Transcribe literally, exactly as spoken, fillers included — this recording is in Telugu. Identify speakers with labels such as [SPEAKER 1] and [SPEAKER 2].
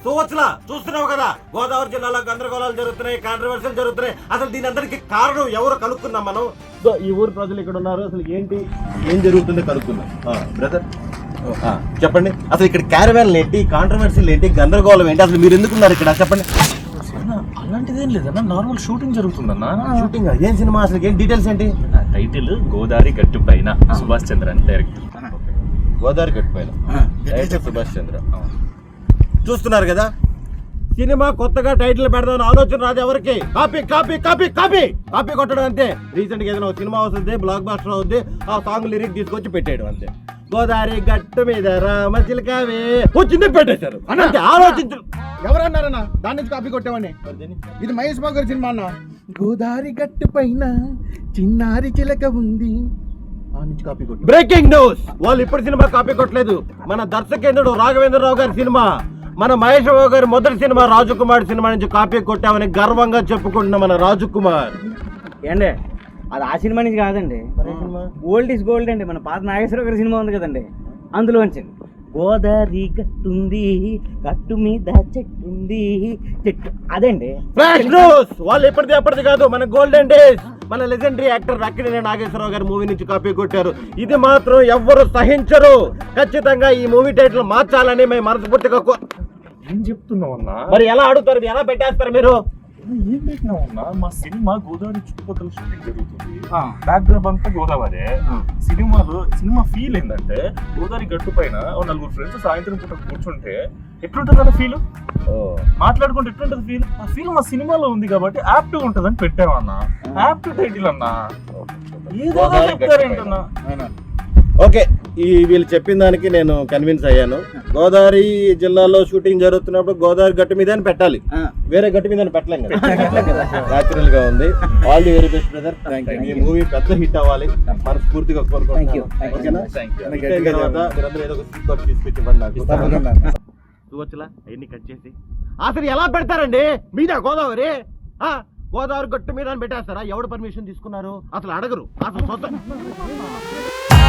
[SPEAKER 1] చూవచ్చులా చూస్తున్నావు కదా, గోదావరి జిల్లాలో గందరగోళాలు జరుగుతున్నాయి, కాంట్రవర్సీలు జరుగుతున్నాయి. అసలు దీని అందరికి కారణం ఎవరు కనుక్కున్నాం మనం. సో ఈ ఊరు ప్రజలు ఇక్కడ ఉన్నారు, అసలు ఏంటి ఏం జరుగుతుందో కనుక్కుందాం. బ్రదర్ చెప్పండి, అసలు ఇక్కడ క్యారవాన్లు ఏంటి, కాంట్రవర్సీలు ఏంటి, గందరగోళం ఏంటి, అసలు మీరు ఎందుకున్నారు ఇక్కడ చెప్పండి.
[SPEAKER 2] అలాంటిదేం లేదన్నా, నార్మల్ షూటింగ్ జరుగుతుందన్నా.
[SPEAKER 1] షూటింగ్ ఏం సినిమా, అసలు ఏం డీటెయిల్స్ ఏంటి?
[SPEAKER 2] టైటిల్ గోదావరి గట్టు పైన, సుభాష్ చంద్ర అని డైరెక్టర్.
[SPEAKER 1] గోదావరి గట్టు పైన డైరెక్టర్ సుభాష్ చంద్ర. చూస్తున్నారు కదా, సినిమా కొత్తగా టైటిల్ పెడదామని ఆలోచన రాదు ఎవరికి. Copy copy copy copy copy కొట్టడం అంతే. రీసెంట్ గా ఏదైనా సినిమా వస్తుంది, బ్లాక్ బాస్టర్ అవుద్ది, ఆ సాంగ్ లిరిక్ తీసుకొచ్చి పెట్టేయడం అంతే. గోదావరి గట్టు మీద రామ చిలకవే వచ్చింది పెట్టేశారు అంటే ఆలోచించు.
[SPEAKER 3] ఎవరన్నారన్నా దాని నుంచి కాపీ కొట్టామని? ఇది మహేష్ బాబు గారి సినిమా అన్న. గోదావరి గట్టు పైన చిన్నారి చిలక ఉంది,
[SPEAKER 1] బ్రేకింగ్ న్యూస్, వాళ్ళు ఇప్పుడు సినిమా కాపీ కొట్టలేదు. మన దర్శకేంద్రుడు రాఘవేంద్రరావు గారి సినిమా, మన మహేష్ బాబు గారి మొదటి సినిమా రాజకుమార్ సినిమా నుంచి కాపీ కొట్టామని గర్వంగా చెప్పుకుంటున్న మన రాజకుమార్.
[SPEAKER 4] ఏండి అది ఆ సినిమా నుంచి కాదండి, ఓల్డ్ ఇస్ గోల్డ్ అండి. మన పాత నాగేశ్వరరావు గారి సినిమా ఉంది కదండి, అందులో వచ్చింది. గోదావరి గట్టుంది, గట్టు మీద చెట్టుంది, చెట్టు అదండి.
[SPEAKER 1] ఫ్లాష్ న్యూస్, వాళ్ళు ఎప్పటిది ఎప్పటిది కాదు, మన గోల్డెన్ డేస్, మన లెజెండరీ యాక్టర్ అక్కినేని నాగేశ్వరరావు గారి మూవీ నుంచి కాపీ కొట్టారు. ఇది మాత్రం ఎవ్వరు సహించరు. ఖచ్చితంగా ఈ మూవీ టైటిల్ మార్చాలని మేము మనస్ఫూర్తిగా.
[SPEAKER 2] ఏం చెప్తున్నావు అన్నా?
[SPEAKER 1] మరి ఎలా అడుగుతారు, ఎలా పెట్టేస్తారు మీరు?
[SPEAKER 2] ఏం పెట్టినావు అన్నా? మా సినిమా గోదావరి చుట్టుపక్కల షూటింగ్ జరుగుతుంది, బ్యాక్గ్రౌండ్ అంతా గోదావరి. సినిమాలో సినిమా ఫీల్ ఏంటంటే గోదావరి గట్టు పైన నలుగురు ఫ్రెండ్స్ సాయంత్రం పూట కూర్చుంటే ఎట్లుంటది కదా ఫీల్, మాట్లాడుకుంటే ఎట్లుంటది ఫీల్. ఆ ఫీల్ మా సినిమాలో ఉంది కాబట్టి యాప్ట్ ఉంటది అని పెట్టామన్నా. యాప్ట్ టైటిల్ అన్నా, ఏదో చెప్తారేంటన్నా.
[SPEAKER 1] ఓకే, ఈ వీళ్ళు చెప్పిన దానికి నేను కన్విన్స్ అయ్యాను. గోదావరి జిల్లాలో షూటింగ్ జరుగుతున్నప్పుడు గోదావరి గట్టు మీద అని పెట్టాలి, వేరే గట్టు మీద పెట్టలేం కదా. న్యాచురల్ గా ఉంది. All the very best brother. ఈ మూవీ పెద్ద హిట్ అవ్వాలి మనస్ఫూర్తిగా కోరుకుంటున్నాను. చూవచ్చులా అవన్నీ కట్ చేసి అసలు ఎలా పెడతారండి మీద గోదావరి గోదావరి గట్టు మీద అని పెట్టేస్తారా? ఎవడు పర్మిషన్ తీసుకున్నారు? అసలు అడగరు. అసలు సొంత